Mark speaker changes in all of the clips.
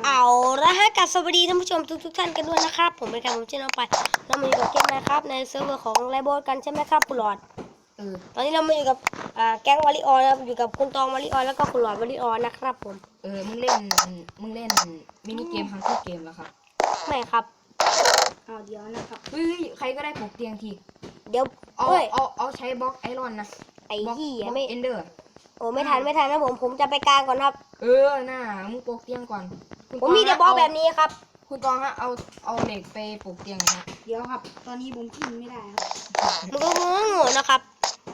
Speaker 1: เอาละฮะกับสวัสดีท่านผู้ชมทุกท่านกันด้วยนะครับผมเป็นการผมชื่อน้องไปเรามาอยู่กับเกมนะครับในเซิร์ฟเวอร์ของไลโบสกันใช่ไหมครับคุณหลอดตอนนี้เรามาอยู่กับแก๊งวาริออนนะครับอยู่กับคุณตองวาริออนแล้วก็คุณหลอดวาริออนนะครับผม
Speaker 2: มึงเล่นมินิเกมฮังเกอร์เกมแล้วครับ
Speaker 1: ไม่ครับ
Speaker 3: เดี๋ยวนะครับ
Speaker 2: เฮ้ยใครก็ได้ปลูกเตียงที
Speaker 1: เดี๋ยว
Speaker 2: เอาใช้บล็อกไอรอนนะ
Speaker 1: ไอ้ที่
Speaker 2: ไม่เอนเดอร์
Speaker 1: โอ้ไม่ทันนะผมจะไปกลางก่อนครับ
Speaker 2: น่ามึงปลูกเตียงก่อน
Speaker 1: ผมมีแต่บล็อกแบบนี้ครับ
Speaker 2: คุณตองฮะเอาเหล็กไปปลูกเตียงนะ
Speaker 3: เดี๋ยวครับตอนนี้ผมขึ้นไม่ได้ครับ
Speaker 1: มันก็โง่นะครับ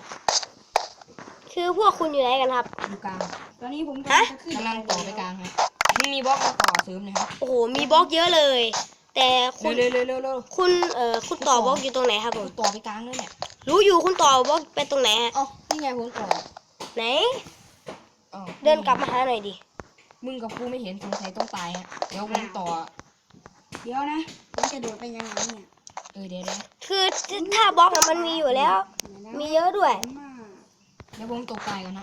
Speaker 1: คือพวกคุณอยู่ไหนกันครับ
Speaker 2: อยู่กลาง
Speaker 3: ตอนนี้ผมกำ
Speaker 2: ลังต่อไปกลางฮะมึงมีบล็อกมาต่อเสริมนะครับ
Speaker 1: โอ้โหมีบล็อกเยอะเลยแต่คุณ
Speaker 2: เร็ว
Speaker 1: คุณต่อบล็อกอยู่ตรงไหนครับผม
Speaker 2: ต่อไปกลางเลยเนี่ย
Speaker 1: รู้อยู่คุณต่อบล็อกไปตรงไหนฮะ
Speaker 2: นี่ไงผมต่อ
Speaker 1: ไหนเดินกลับมาหาหน่อยดิ
Speaker 2: มึงกับกูไม่เห็นสงสัยต้องตายฮะเดี๋ยวผมต่อ
Speaker 3: เดี๋ยวนะผมจะโดดไปยังไงเนี่ย
Speaker 2: เดี๋ยว
Speaker 1: คือถ้าบล็อกมันมีอยู่แล้วมีเยอะด้วย
Speaker 2: เดี๋ยวผมตกตายกันนะ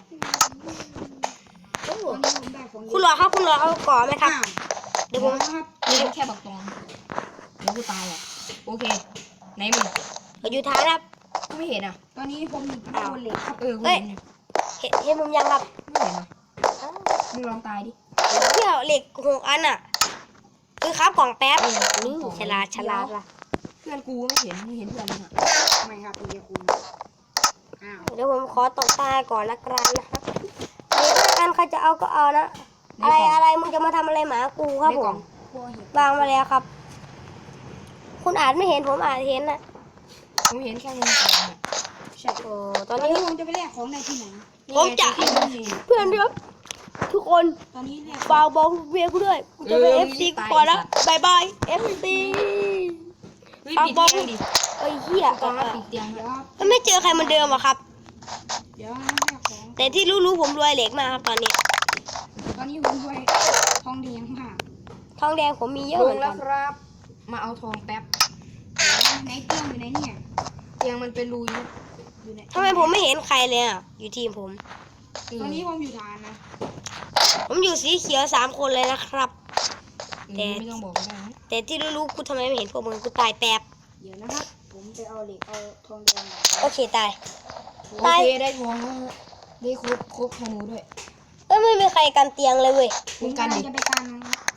Speaker 1: คุณรอครับคุณรอเอาก่อไหมครับเดี๋ยวผม
Speaker 2: แค่บักตองเดี๋ยวกูตายอ่ะโอเคไหนมึง
Speaker 1: อยู่ท้ายครับ
Speaker 2: กูไม่เห็นอ่ะ
Speaker 3: ตอนนี้ผมอยู่บนเหล็กครับ
Speaker 1: กูเห็นมุมยังครับ
Speaker 2: ไม่เห็นอ่ะมึงลองตายดิ
Speaker 1: เที่ยวเหล็ก6 อันอ่ะคือครับกล่องแป๊บนี่ฉลาดว่ะ
Speaker 2: เพื่อนกูไม่เห็นเพื่อนมึงอ่ะ
Speaker 3: ไม่ครับเดี๋ยวคุณ
Speaker 1: เดี๋ยวผมขอตกตาก่อนละกันนะครับอันใครจะเอาก็เอานะอะไรมึงจะมาทำอะไรหมากูครับผมวางมาแล้วครับคุณอาจไม่เห็นผมอาจเห็นนะ
Speaker 2: ผมเห็นแค่มึงก่อนเนี่ย
Speaker 3: ใช่
Speaker 1: ตอนนี้
Speaker 3: ผมจะไปแลกของในที่ไหน
Speaker 1: ผมจะเพื่อนครับทุกคน
Speaker 3: ตอนนี้
Speaker 1: ฝากบอกเวียกูด้วยกูจะไปFC กูก่อนนะบายบาย FC
Speaker 2: ฝากบอกดิ
Speaker 1: เหี้ย
Speaker 2: ปิดเตียง
Speaker 1: ก็ไม่เจอใครเหมือนเดิมอะครับ
Speaker 3: เดี๋ยว
Speaker 1: แต่ที่รู้ผมรวยเหล็กมากครับตอนนี้
Speaker 3: ผมรวยทองแดงมาก
Speaker 1: ทองแดงผมมีเยอะเหมือนกัน
Speaker 2: ครับมาเอาทองแป๊บ
Speaker 3: ไหนเตียงอยู่ไหนเนี่ย
Speaker 2: เตียงมันเป็นรูอยู่
Speaker 1: ทำไมผมไม่เห็นใครเลยอ่ะอยู่ทีมผม
Speaker 3: ตอนนี้ผมอยู่ฐานนะ
Speaker 1: ผมอยู่สีเขียว3 คนเลยนะครับ
Speaker 2: แต่ไม่ต้องบอกก็ได้
Speaker 1: แต่ที่รู้กูทำไมไม่เห็นพวกมึงกูตายแป๊บ
Speaker 3: เดี๋ยวนะครับผมไปเอาเหล็กเอาทองแดง
Speaker 1: โอเคตาย
Speaker 2: โอเคได้ทองได้ครบธนูด้วย
Speaker 1: ไม่มีใครกันเตียงเลยเว้ย
Speaker 3: ผมกันจะไปกัน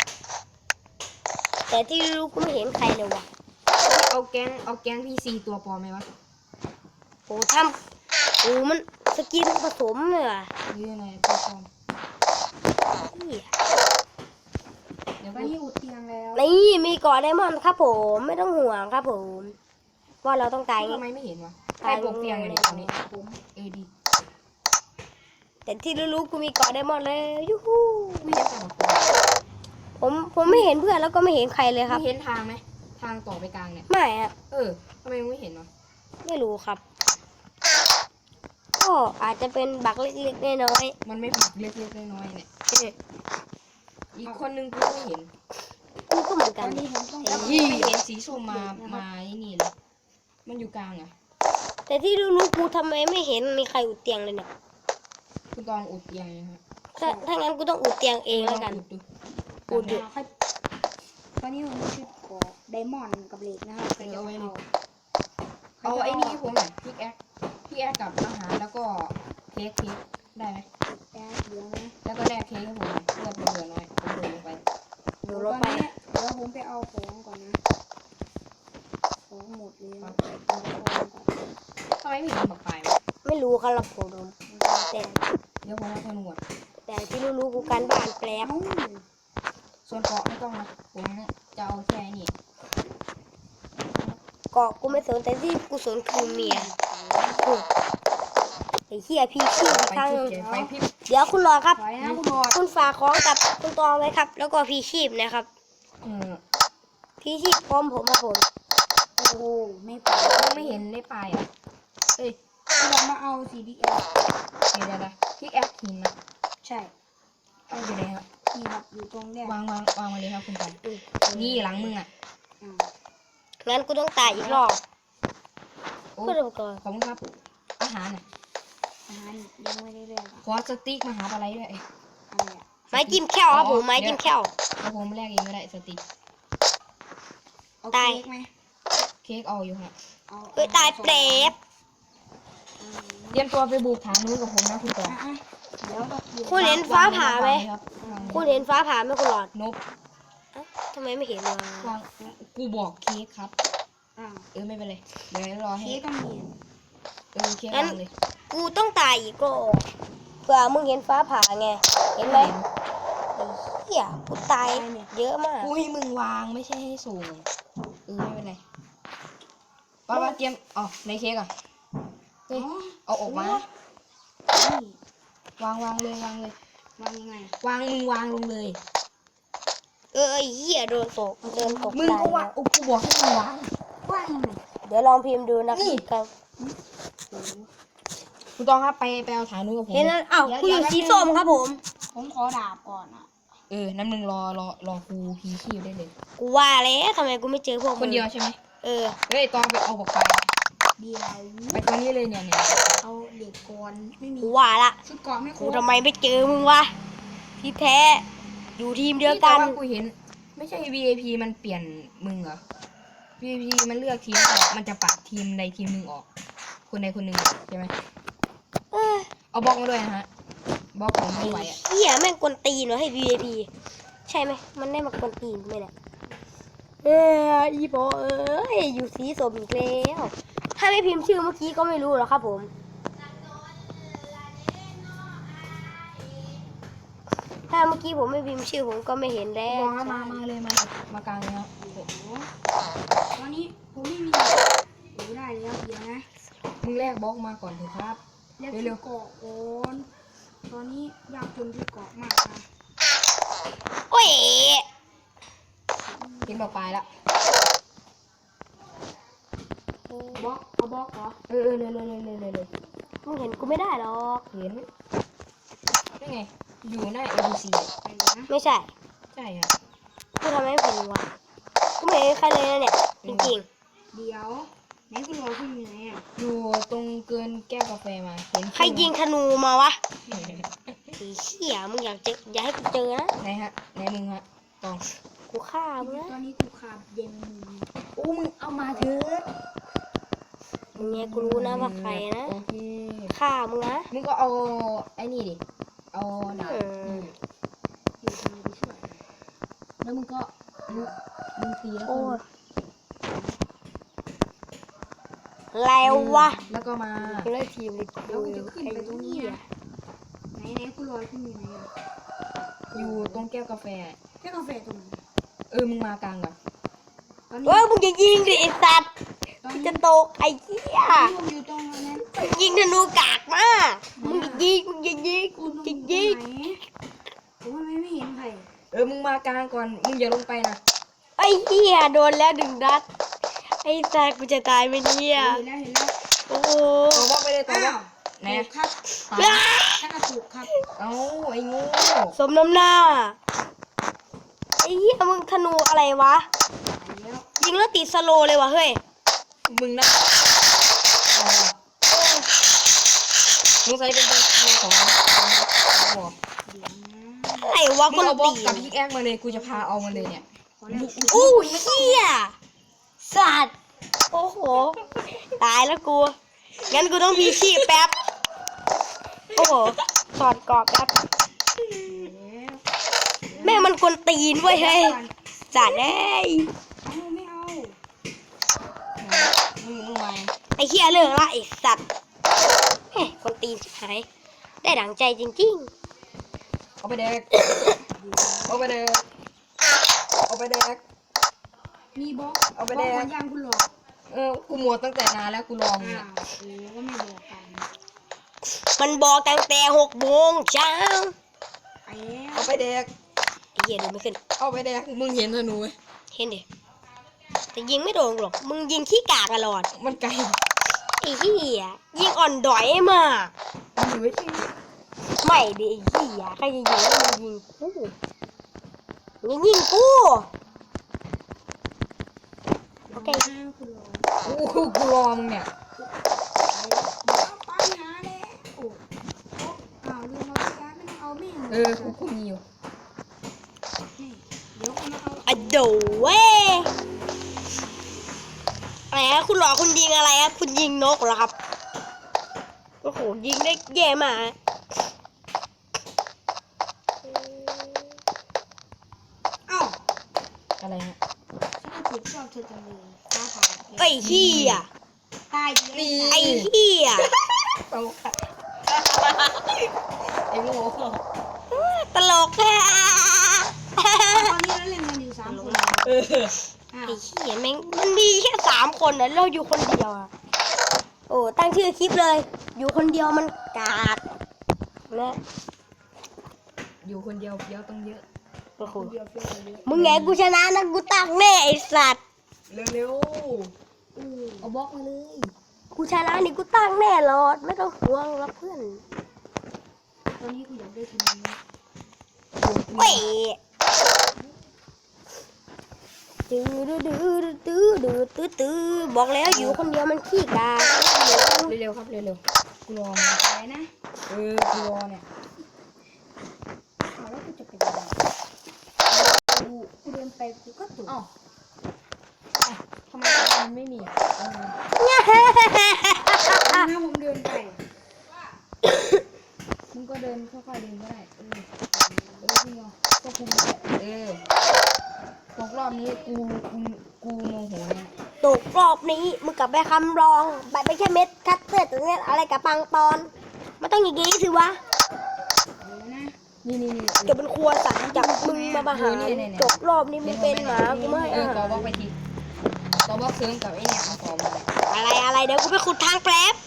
Speaker 1: แต่ที่รู้กูไม่เห็นใครเลยว่ะ
Speaker 2: เอาแก๊งพี่4 ตัวปลอมไหมวะ
Speaker 1: โอ้มันสกินผสมเลยว่ะ
Speaker 2: นี่ไงตัวปลอม
Speaker 3: เดี๋ยวนี้อุดเตียงแล้ว
Speaker 1: นี่มีเกาะไดมอนด์ครับผมไม่ต้องห่วงครับผมว่าเราต้องตาย
Speaker 2: ทำไมไม่เห็นวะใครปลุกเตียงเลยตรงนี้ผมดี
Speaker 1: แต่ที่รู้กูมีเกาะไดมอนด์เลยยูฮู
Speaker 2: ไม่เห็นแต่
Speaker 1: ผมไม่เห็นเพื่อนแล้วก็ไม่เห็นใครเลยครับ
Speaker 2: เห็นทางไหมทางต่อไปกลางเนี่ย
Speaker 1: ไม่อะ
Speaker 2: ทำไมไม่เห็นวะ
Speaker 1: ไม่รู้ครับก็อาจจะเป็นบักเล็กๆน้อย
Speaker 2: ๆมันไม่บักเล็กๆน้อยๆเนี่ยอีกคนนึงกูไม่เห็น
Speaker 1: กูก็เหมือนกัน
Speaker 2: ไม่เห็นสีส้มมานี่เลยมันอยู่กลางอะ
Speaker 1: แต่ที่รู้กูทำไมไม่เห็นมีใครอุดเตียงเลยเนี่ย
Speaker 2: คุณตองอุดเตียงนะฮะ
Speaker 1: ถ้างั้นกูต้องอุดเตียงเองแล้วกัน
Speaker 3: อุดดูตอนนี้ผมชุดขอไดมอนด์กับเหล็กนะครับ
Speaker 2: เอาไอ้นี่ผมเนี่ยพิกแอคกับอาหารแล้วก็เค้กได้ไหม
Speaker 3: เดี๋ยวนะ
Speaker 2: แล้วก็แลกเค้กให้ผมเลือดเหลือน้อยผมโดนลงไป
Speaker 3: เดี๋ยวผมไปเอาของก่อนนะของหมดเลย
Speaker 2: ทำไมไม่เห็นบักไฟ
Speaker 1: ไม่รู้ครับผมแต่
Speaker 2: เดี๋ยวผมเอาธนู
Speaker 1: แต่ที่รู้กูการบ้านแปลก
Speaker 2: ส่วนเกาะไม่ต้องนะผมจะเอาแค่นี้
Speaker 1: เกาะกูไม่สนแต่ที่กูสนคือเมียไอ้เหี้ยพี่ขี้อีกครั้งเดี๋ยวคุณรอครับคุณฝากของกับคุณตองไว้ครับแล้วก็พี่ชีพนะครับพี่ชีพพร้อมผมมาผม
Speaker 3: โอ้ไม่ไป
Speaker 2: ไม่เห็นได้ไปอ่ะ
Speaker 3: เรามาเอาCDL
Speaker 2: เดี๋ยวพิกแอคหินนะ
Speaker 3: ใช่
Speaker 2: เอาอยู่ไหนครับ
Speaker 3: นี่ครับอยู่ตรงเนี้ยว
Speaker 2: างมาเลยครับคุณกันนี่หลังมึงอ่ะ
Speaker 1: งั้นกูต้องตายอีกรอบก็เดี๋ยวก่อน
Speaker 2: ขอบคุณครับอาหาร
Speaker 3: ยังไม่ได้เรื่อง
Speaker 2: ขอสติ๊กมาหาอะไรด้วย
Speaker 1: ไม้จิ้มแค่วครับผมไม้จิ้มแค่ว
Speaker 2: เอาผมแลกเองก็ได้สติก
Speaker 3: เอาเค้กไหม
Speaker 2: เค้กเอาอยู่ฮะ
Speaker 3: เอา
Speaker 1: เอ้ยตายเปรต
Speaker 2: เตรียมตัวไปบุกฐานนู้นกับผมนะคุณต่อ
Speaker 3: อ่ะเดี๋ยวเรา
Speaker 1: คุณเห็นฟ้าผ่าไหม
Speaker 2: ครับ
Speaker 1: คุณเห็นฟ้าผ่าไหมคุณหลอด
Speaker 2: นก
Speaker 1: เอ้าทำไมไม่เห็นวะ
Speaker 2: วางกูบอกเค้กครับ
Speaker 3: อ้าว
Speaker 2: ไม่เป็นไรเดี๋ยวรอให้
Speaker 3: เค้กก็มี
Speaker 2: เค้กวางเลย
Speaker 1: กูต้องตายอีกก็เผื่อมึงเห็นฟ้าผ่าไง เห็นไหมไอ้เหี้ยกูตายเยอะมาก
Speaker 2: กูให้มึงวางไม่ใช่ให้สูงไม่เป็นไรว่าเตรียมอ๋อในเค้กอ่ะเฮ้ยเอาออกมา
Speaker 3: นี่
Speaker 2: วางเลยว
Speaker 3: างยังไง
Speaker 2: วางมึงวางลงเลย
Speaker 1: ไอ้เหี้ยโดนตกเดินตก
Speaker 2: มึง
Speaker 1: ตาย
Speaker 2: ก็วางกูบอกให้มึงวาง
Speaker 3: ว่างยังไง
Speaker 1: เดี๋ยวลองพิมพ์ดูนะ
Speaker 2: นี่
Speaker 1: ครับ
Speaker 2: คุณต้องครับไปเอาฐานนู้นกับผม
Speaker 1: เห็นนั้นอ้าวกูอยู่สีส้มครับผม
Speaker 3: ผมขอดาบก่อนอ่ะ
Speaker 2: น้ำหนึ่งรอกูพีชีพได้เลย
Speaker 1: กูว่าแล้วทำไมกูไม่เจอพวกมึง
Speaker 2: คนเดียวใช่ไหม เฮ้ยตองไปเอาบอกไป
Speaker 3: เดียว
Speaker 2: ไปตัวนี้เลยเนี่ย
Speaker 3: เอาเหล็กก่อนไม่มี
Speaker 1: กูว่าละ
Speaker 3: ชุดเกราะไม่คร
Speaker 1: กู
Speaker 3: บ
Speaker 1: ทำไมไม่เจอมึงวะที่แท้อยู่ทีมเดียวกัน
Speaker 2: แต่ากูเห็น ไม่ใช่ VIP มันเปลี่ยนมึงเหรอ VIP มันเลือกทีมออกมันจะปัดทีมใดทีมหนึ่งออก คนใดคนหนึ่งใช่ไหม
Speaker 1: เออ
Speaker 2: เอาบล็อกมาด้วยนะฮะบล็อกของไม่ไหวอ่ะ
Speaker 1: เหี้ยแม่งกวนตีนวะให้ VIP ใช่ไหมมันได้มากวนตีนไหมเนี่ยอีโบเอ้ยอยู่สีส้มอีกแล้วถ้าไม่พิมพ์ชื่อเมื่อกี้ก็ไม่รู้หรอกครับผมถ้าเมื่อกี้ผมไม่พิมพ์ชื่อผมก็ไม่เห็นแล้
Speaker 2: บ
Speaker 1: ว
Speaker 2: อกมามากลางเลยครับ
Speaker 3: ตอนนี้ผมไม่มีได้แล้วเดี๋ยวนะ
Speaker 2: มึงแลกบล็อกมาก่อนเถอะครับ
Speaker 3: เรียก
Speaker 2: เร็
Speaker 3: ชุ
Speaker 2: ว
Speaker 3: ดเกราะก่อนตอนนี้ยากจนชุดเกราะมากค่ะ
Speaker 1: โอ้ย
Speaker 2: เห็นบอกปลายละ
Speaker 3: บล็อกเอาบล็อกเหรอ
Speaker 2: เร็ว
Speaker 1: มึงเห็นกูไม่ได้หรอก
Speaker 2: เห็นนี่ไง อยู่หน้า ABC
Speaker 3: ไปเลยนะ
Speaker 1: ไม่ใช่
Speaker 2: ใช่ครับ
Speaker 1: กูทำไมไม่เป็นวะกูไม่เห็นใครเลยนะเนี่ยจริง
Speaker 3: เดี๋ยวไหนคุณรอคุณอยู่ไหนอ่ะ
Speaker 2: อยู่ตรงเกินแก้วกาแฟมาเห็น
Speaker 1: ๆใครยิงธนูมาวะไอ้เหี้ยมึงอย่าให้กูเจอนะ
Speaker 2: ไหนฮะไหนมึงฮะตอง
Speaker 1: กูฆ่ามึงนะ
Speaker 3: ตอนนี้กูขาดเย็นมือ
Speaker 2: โอ้มึงเอามาเถอะ
Speaker 1: มึงไงกูรู้นะว่าใครนะ
Speaker 2: โอเค
Speaker 1: ฆ่ามึงนะ
Speaker 2: มึงก็เอาไอ้นี่ดิ เอาดาบ
Speaker 3: อยู่ทำไมไปช่วย
Speaker 2: แล้วมึงก็มึงตีแล้ว
Speaker 1: โอ้
Speaker 2: ก็
Speaker 1: ยแล้ววะ
Speaker 2: แล้วก็มา
Speaker 1: กูเลยทีมเลย
Speaker 3: เดี๋ยวกูจะขึ้นไปตรงนี้นะไหนคุณรอคุณอยู่ไหนอ่ะ
Speaker 2: อยู่ตรงแก้วกาแฟ
Speaker 3: แค่กาแฟตรงไหน
Speaker 2: มึงมากลางก่อน
Speaker 3: ตอนนี้
Speaker 1: เฮ้ยมึงอย่ายิงดิไอ้สัตว์
Speaker 3: ตอน
Speaker 1: กู
Speaker 3: นี้
Speaker 1: จะตกไอ้เหี้ย
Speaker 3: ผมอยู่ตรงนั้น
Speaker 1: ยิงธนูกากมากมึงอย่ายิงมึงอย่ายิง
Speaker 3: คุ
Speaker 1: มึ
Speaker 3: ณ
Speaker 1: ง
Speaker 3: ตร
Speaker 1: อย่าง ยิง
Speaker 3: ไหนผมว่าไม่เห็นใคร
Speaker 2: มึงมากลางก่อน มึงอย่าลงไปนะ
Speaker 1: ไอ้เหี้ยโดนแล้ว1 นัดไอ้สัตว์กูจะตายไหมเนี่ย
Speaker 3: เห็นแล้ว
Speaker 1: โอ้โห
Speaker 2: ต่อบล็อกไปเลยต่อ
Speaker 3: อ้า
Speaker 2: บล็อก
Speaker 3: วถูกครับ
Speaker 2: ตาย
Speaker 3: ถ้ากระถูกครับ
Speaker 2: เอ้าไอ้งู
Speaker 1: สมน้ำหน้าไอ้เหี้ยมึงธนูอะไรวะ
Speaker 3: ตายแล้ว
Speaker 1: ยิงแล้วติดสโลว์เลยวะเฮ้ย
Speaker 2: มึงนะมึงใส่เป็นตัวของบอก
Speaker 3: เดี๋ยวนะ
Speaker 1: อะไรวะ
Speaker 2: มึ
Speaker 1: ค
Speaker 2: ง
Speaker 1: น
Speaker 2: เอาบล็อ
Speaker 1: ตี
Speaker 2: กกับพิกแอคมาเลย กูจะพาเอามาเลยเนี่ย
Speaker 3: ขอแลก
Speaker 1: อู้เหี้ยสัตว์โอ้โหตายแล้วกูงั้นกูต้องพีชีพแป๊บโอ้โหถอดกรอบแป๊บ
Speaker 3: แล้ว
Speaker 1: แม่งมันกวนตีนเว้ยเฮ้ยสัตว์เอ้ย
Speaker 3: เอาไม่เอา
Speaker 2: มึงมา
Speaker 1: ไอ้เหี้ยเลิกละไอ้สัตว์เฮ้ยกวนตีนชิบหายได้ดั่งใจจริง
Speaker 2: เอาไปแดกเอาไปแดกเอาไปแดก
Speaker 3: มีบล็อก
Speaker 2: เอาไป
Speaker 3: บล็อก
Speaker 2: แดก
Speaker 3: หัวยางคุณหลอก
Speaker 2: กูหมดตั้งแต่นานแล้วกูลอง
Speaker 3: อ้า
Speaker 2: เนี่ยว
Speaker 3: โอ้ก็ไม่บอกกัน
Speaker 1: ๆมันบอกตั้งแต่6 โมงเช้า
Speaker 3: ไปแล้ว
Speaker 2: เอาไปแดก
Speaker 1: ไอ้เหี้ยดูไม่ขึ้น
Speaker 2: เอาไปแดกมึงเห็นธนูไหม
Speaker 1: เห็นดิแต่ยิงไม่โดนหรอกมึงยิงขี้กากตลอด
Speaker 2: มันไกล
Speaker 1: ไอ้เหี้ยยิงอ่อนดอยมาก
Speaker 2: มันอยู่ไม่ใช่
Speaker 1: ไม่ดิไอ้เหี้ยใครจะยิงแล้วมึงยิงกูมึงยิงกูโอเค
Speaker 3: คุณหลอก
Speaker 2: กูรอมึงเนี่ย
Speaker 3: เอาไปหาแล้วโอ้อ้าวลืมเอาไปย้ายไม่ต้องเอาแม่ง
Speaker 2: กูมีอยู่
Speaker 3: นี่
Speaker 1: อะโดเว้ยอะไรฮะคุณหลอกคุณยิงอะไรครับคุณยิงนกเหรอครับโอ้โหยิงได้แย่มาก
Speaker 3: เอ้า
Speaker 2: อะไรฮะ
Speaker 3: ฉันก็ติดชอบเธอจังเลยฟ้าผ่า
Speaker 1: ไอ้เหี้ย
Speaker 3: ตายดี
Speaker 2: นี่
Speaker 1: ไอ้เหี้ย
Speaker 2: ตลกอะไอ้โง่
Speaker 1: ตลกแท้
Speaker 3: ตอนนี้เราเล่นกันอยู่3 คน
Speaker 2: เออ
Speaker 3: อ้า
Speaker 1: ไอ้
Speaker 3: ว
Speaker 1: เหี้ยแม่งมันมีแค่3 คนนะเราอยู่คนเดียวอะโอ้ตั้งชื่อคลิปเลย อยู่คนเดียวมันกากนะ
Speaker 2: อยู่คนเดียวเดียวต้องเยอะ
Speaker 1: โอ้โห
Speaker 3: เดียวเฟี้ยวเยอะ
Speaker 1: มึงไงกูชนะนะกูตักแน่ไอ้สัตว์
Speaker 2: เร็ว
Speaker 3: อือ
Speaker 2: ๆเอาบล็อกมาเลย
Speaker 1: กูชนะนี่กูตักแน่รอดไม่ต้องห่วงแล้วเพื่อน
Speaker 3: ตอนนี้กูอยากได้คะแนนนะ
Speaker 1: เว้ยตื้อดื้อดื้อตื้อดื้อตื้อตื้อบอกแล้วอยู่คนเดียวมันขี้กาก
Speaker 2: เร็วๆครับเร็วๆกูรอ
Speaker 3: อะไรนะ
Speaker 2: กูรอเนี่ย
Speaker 3: อ้าวแล้วกูจะไปยังไงกูเดินไปกูก็ตก
Speaker 2: เอ้าทำไมมันไม่มีเออ
Speaker 3: นะผมเดินไปมึงก็เดินค่อยๆเดินก็ได้พี่เนาะก็คุมได้
Speaker 2: ตกรอบนี้กูโมโหเนี่ย
Speaker 1: ตกรอบนี้มึงกลับไปคำรองไปไม่ใช่เม็ดคัตเตอร์ตัวเนี้ยอะไรกับปังปอนมันต้องอย่างงี้สิวะ
Speaker 3: เอาแล้วนะ
Speaker 2: นี่
Speaker 1: จะเป็นครัวสั่งจากมึงมาหาจบรอบนี้มึงเป็นหมากูไม่ให้อา
Speaker 2: ต่อ
Speaker 1: หาร
Speaker 2: บล็อกไปทีต่อบล็อกเสริมกับไอ้เนี่ยมาต่อมาเลย
Speaker 1: อะไรเดี๋ยวกูไปขุดทางแป๊บ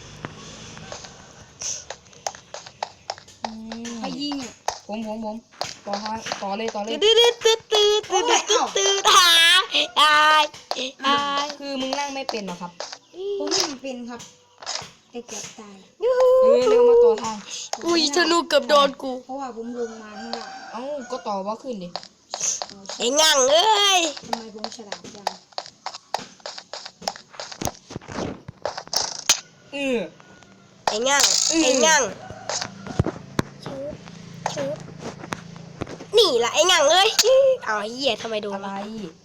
Speaker 3: ใครยิงอ่ะ
Speaker 2: ผมต่อเลย
Speaker 1: ตื้อหาอาย
Speaker 2: คือมึงนั่งไม่เป็นหรอครับ
Speaker 3: ผมไม่เป็นครับแต่เกือบตาย
Speaker 1: ยูฮู
Speaker 2: เร็วมาต่อทาง
Speaker 1: อุ้ยธนูเกือบโดนกู
Speaker 3: เพราะว่าผมลงมาข้างล่าง
Speaker 2: เอ้าก็ต่อบล็อกขึ้นดิ
Speaker 1: ไอ้งั่งเอ้ย
Speaker 3: ทำไมผมฉลาดจัง
Speaker 1: ไอ้งั่งชืบนี่ล่ะไอ้งั่งเอ้ยเอาไอ้เหี้ยทำไมโดน
Speaker 2: อะไร
Speaker 1: วะ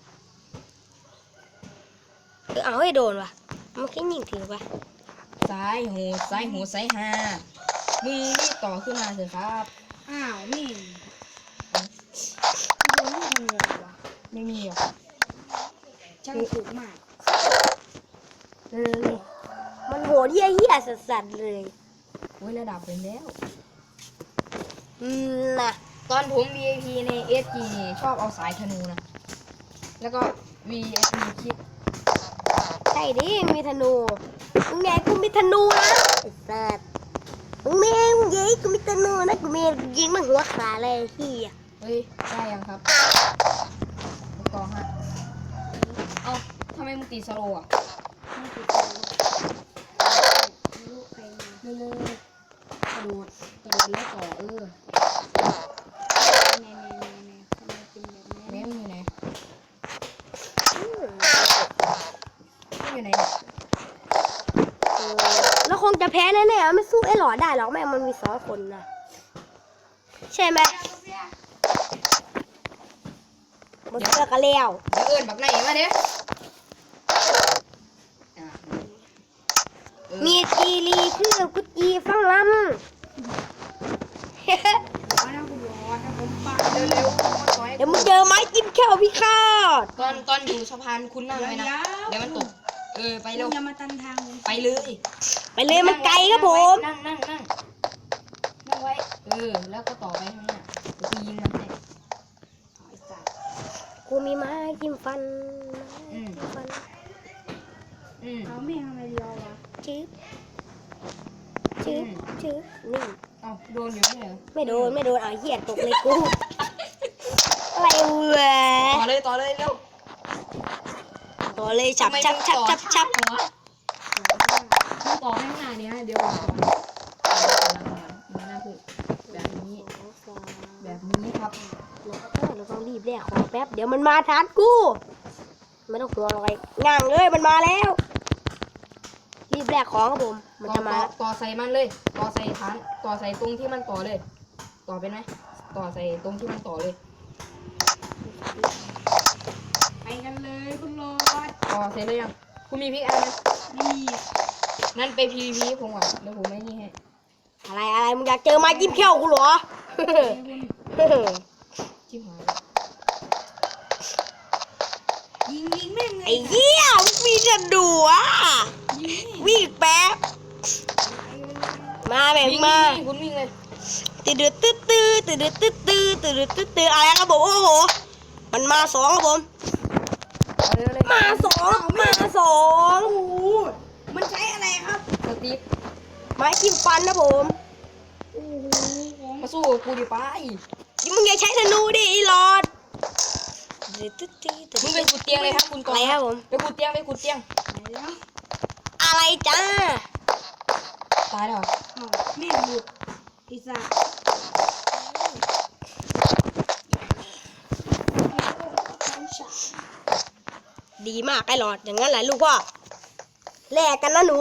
Speaker 1: เอาให้โดนวะมันแค่ยิงถือวะ
Speaker 2: ซ้ายหูซ้ายหามึงรีบต่อขึ้นมาเถอะครับ
Speaker 3: อ้าวนี่โดนลูกมันเลยวะ
Speaker 2: ไม่มีหรอก
Speaker 3: ช่างถูกมาก
Speaker 1: มันโหดเหี้ยสัสๆเลย
Speaker 2: โอ้ยระดับเป็นแล้ว
Speaker 1: น่ะ
Speaker 2: ตอนผม VIP ใน SG นี่ชอบเอาสายธนูนะ แล้วก็ VIP คิด
Speaker 1: ใช่ดิมีธนูมึงไงกูมีธนูนะไอ้สัสมึงไงกูมีธนูนะกูมียิงมันหัวขาเลยเหี้ย
Speaker 2: เฮ้ย ได้ยังครับต่อฮะ เอ้าทำไมมึงตีสโลว์อ่ะ
Speaker 3: ไม่ถูกใจลูกใครมา
Speaker 2: เร็วๆกระโดดแล้วต่อ
Speaker 3: แน่ทำไมเป็นแบบนี้
Speaker 2: แม่มึงอยู่ไหน
Speaker 1: อืม
Speaker 2: มึงอยู่ไหนเนี่ย
Speaker 1: แล้วคงจะแพ้แน่ๆไม่สู้ไอ้หลอดได้หรอกแม่งมันมี2 คนนะใช่ไหมหมดเสื้อกันแล้ว
Speaker 2: เดี๋ยวเอิญบักไหนมาเด้อ่ะ
Speaker 1: มีจีรีชื่อกุจีฟังลำ
Speaker 3: ร้อนนะคุณร้อนนะผมปา
Speaker 2: เร็วๆต่อย
Speaker 1: เดี๋ยวมึงเจอไม้จิ้มแค่วพี่คาด
Speaker 2: ตอนอยู่สะพานคุณนั่งไว้นะ เดี๋ยวมันตก ไปเร็ว
Speaker 3: อย่ามาตันทางผม
Speaker 2: ไปเลย
Speaker 1: ไปเลยมันไกลครับผม
Speaker 2: นั่งไว้ แล้วก็ต่อไปข้างหน้าเดี๋ยวกูยิงมันให้
Speaker 3: ไอ้สัตว์
Speaker 1: กูมีไม้จิ้มฟัน
Speaker 2: อืม
Speaker 1: ฟัน
Speaker 3: เอาแม่งทำไมเดียววะ
Speaker 1: จืดจืดนี่
Speaker 2: เอ้าโดนอยู่ไม่เหรอ
Speaker 1: ไม่โดนเอาเหี้ยตกเลยกูอะไรวะ
Speaker 2: ต่อเลยเร็ว
Speaker 1: ต่อเลยฉับ
Speaker 2: ทำไมมึงต่อ
Speaker 1: ชับ
Speaker 2: วะมึงต่อข้างหน้านี้เดี๋ยวก่อนมาหน้าคือแบบนี้ครับ
Speaker 1: เราต้องรีบแลกของแป๊บเดี๋ยวมันมาทานกูไม่ต้องกลัวอะไรง่างเลยมันมาแล้ว รีบแลกของครับผมมันจะมาแล้ว
Speaker 2: ต่อใส่มันเลย ต่อใส่ฐานต่อใส่ตรงที่มันต่อเลย ต่อเป็นไหมต่อใส่ตรงที่มันต่อเลย
Speaker 3: ไปกันเลยคุณโรด
Speaker 2: อ๋อเสร็จแล้วยังคุณมีพริกอันไหม
Speaker 3: นี่
Speaker 2: นั่นไป PVP ผมก่อนเดี๋ยวผมไม่นี่ให้
Speaker 1: อะไรมึงอยากเจอไม้จิ้มเขี้ยวกูเหรอ
Speaker 2: จิ้มหาย
Speaker 3: ยิงแม่งเล
Speaker 1: ไอ้
Speaker 3: ย
Speaker 1: เหี้ยมีจะดูอ่ะ
Speaker 3: ยิง
Speaker 1: วิ่งแป๊บมาแม่ง
Speaker 2: วิ่ง
Speaker 1: มา
Speaker 2: วิ่งคุณวิ่งเลย
Speaker 1: ตื้ออะไรครับผมโอ้โหมันมาสองครับผม
Speaker 2: เอาเลย
Speaker 1: มาสอง
Speaker 3: โอ้โหมันใช้อะไรครับ
Speaker 2: สตีฟ
Speaker 1: ไม้จิ้มฟันนะผม
Speaker 3: โอ้โหของ
Speaker 2: มาสู้กับกูดิไป
Speaker 1: มึงอย่าใช้ธนูดิไอ้หลอด
Speaker 2: มึงไปขุดเตียงเลยครับคุณก
Speaker 1: อะ
Speaker 2: อ
Speaker 1: ไรง ครับผม
Speaker 2: ไปขุดเตียงไปขุดเตียง
Speaker 3: ไหนแล้ว
Speaker 1: อะไรจ้า
Speaker 2: ตายแล้วเหรอ
Speaker 3: อ้าวแม่งหลุดพิซซ่า
Speaker 1: ดีมากไอ้หลอดอย่างนั้นแหละลูกพ่อแลกกันนะหนู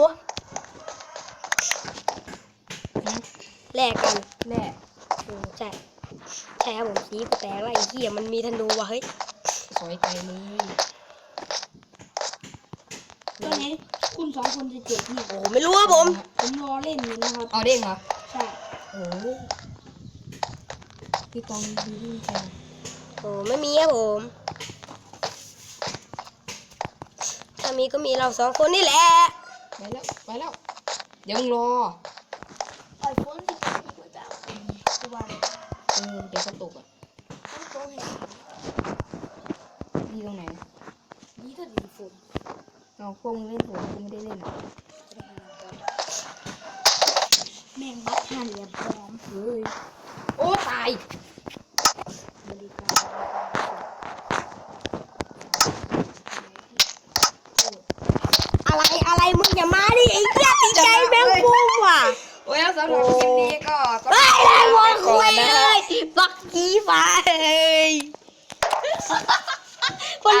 Speaker 2: หืม
Speaker 1: แลกกัน
Speaker 2: แน่
Speaker 1: ใช่ครับผมสีกูแตกแล้วไอ้เหี้ยมันมีธนูว่ะเฮ้ย
Speaker 2: สวยใจเลย
Speaker 3: ตอนนี้คุณสองคนจะเจ็บเนี่ย
Speaker 1: โอ้ไม่รู้ครับผม
Speaker 3: ผมรอเล่นอยู่นะครับ
Speaker 2: เอาเด้งเหรอ
Speaker 3: ใช่
Speaker 2: โอ้ยพี่ตองดีดีจัง
Speaker 1: โอ้ไม่มีครับผมถ้ามีก็มีเราสองคนนี่แหละ
Speaker 2: ไปแล้วไปแล้วเดี๋ยวมึงรอ
Speaker 3: ไอโฟนที่ผมไปแบบตัว
Speaker 2: เดี๋ยวก็ตกอ่ะ
Speaker 3: ต้องเห็น
Speaker 2: นี่ตรงไหน
Speaker 3: นี่ก็ดีฝน
Speaker 2: เอาพวกมึงเล่นผมกูไม่ได้เล่นอ่ะ
Speaker 3: แม่งบักหันเหลี่ยมพร้อม
Speaker 2: เฮ้ยโอ้ตาย
Speaker 3: บริการ
Speaker 1: อะไรมึงอย่ามาดิไอ้เหี้ยตีใจแมงมุมว่ะ
Speaker 2: โอ้ยแล้วสำหรับคลิปนี้ก็ต้อง
Speaker 1: เฮ้ยได้หมด
Speaker 2: ก่
Speaker 1: คุ
Speaker 2: อน
Speaker 1: ย
Speaker 2: นะ
Speaker 1: เลยบักกี้ฟ้าเฮ้ย